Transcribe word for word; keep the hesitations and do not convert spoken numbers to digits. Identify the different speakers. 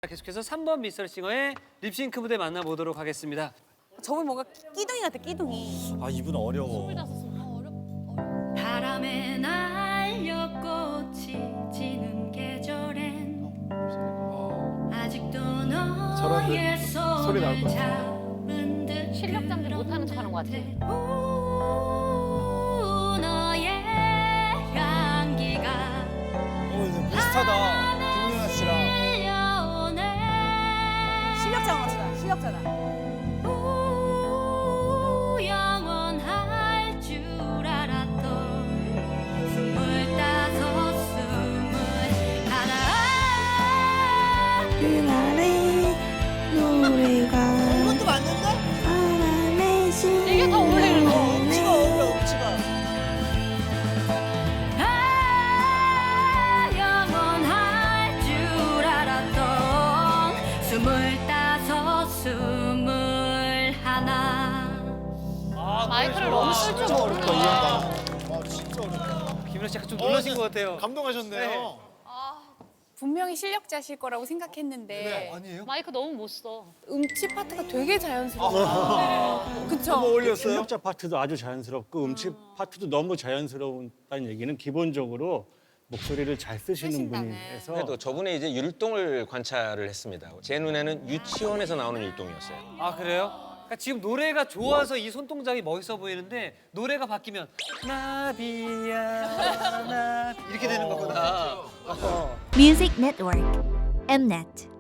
Speaker 1: 계속해서 삼 번 미스터싱어의 립싱크 무대 만나보도록 하겠습니다.
Speaker 2: 저분 뭔가 끼둥이 같아, 끼둥이.
Speaker 3: 아 이분 어려워.
Speaker 4: 바람에 날려 꽃이 지는 계절엔 아직도 너의 손을 잡은 듯
Speaker 5: 실력자인데 못하는 척하는 것 같아.
Speaker 4: 오, 너의 향기가
Speaker 3: 어 이제 비슷하다. 김민아 씨랑.
Speaker 4: 들려오네.
Speaker 2: 실력자가 맞추다, 실력자다.
Speaker 4: 오, 영원할 줄 알았던 스물다섯 스물하나
Speaker 6: 그날의 노래가
Speaker 2: 이것도 맞는데?
Speaker 6: 바람에
Speaker 5: 이게 더 어울리는 거.
Speaker 2: 음치가 어울려, 음치가.
Speaker 4: 아, 영원할 줄 알았던 스물다섯 스물하나
Speaker 5: 마이크를 너무 쓸 줄 모르는
Speaker 3: 어렵다, 이
Speaker 5: 거야.
Speaker 3: 양반. 아 진짜 어렵다.
Speaker 1: 김민아 씨 약간 좀 놀라신 것 같아요.
Speaker 3: 감동하셨네요.
Speaker 7: 분명히 실력자실 거라고 생각했는데
Speaker 3: 아니에요?
Speaker 5: 마이크 너무 못 써.
Speaker 7: 음치 파트가 되게 자연스러워. 그쵸?
Speaker 3: 올렸어요?
Speaker 8: 실력자 파트도 아주 자연스럽고 음치 파트도 너무 자연스러웠다는 얘기는 기본적으로 목소리를 잘 쓰시는
Speaker 7: 쓰신다네.
Speaker 8: 분이라서
Speaker 9: 그래도 저분의 이제 율동을 관찰을 했습니다. 제 눈에는 유치원에서 나오는 율동이었어요.
Speaker 1: 아 그래요? 그러니까 지금 노래가 좋아서 이 손동작이 멋있어 보이는데 노래가 바뀌면 나비야 나 이렇게 되는 거구나.
Speaker 10: Music Network, Mnet.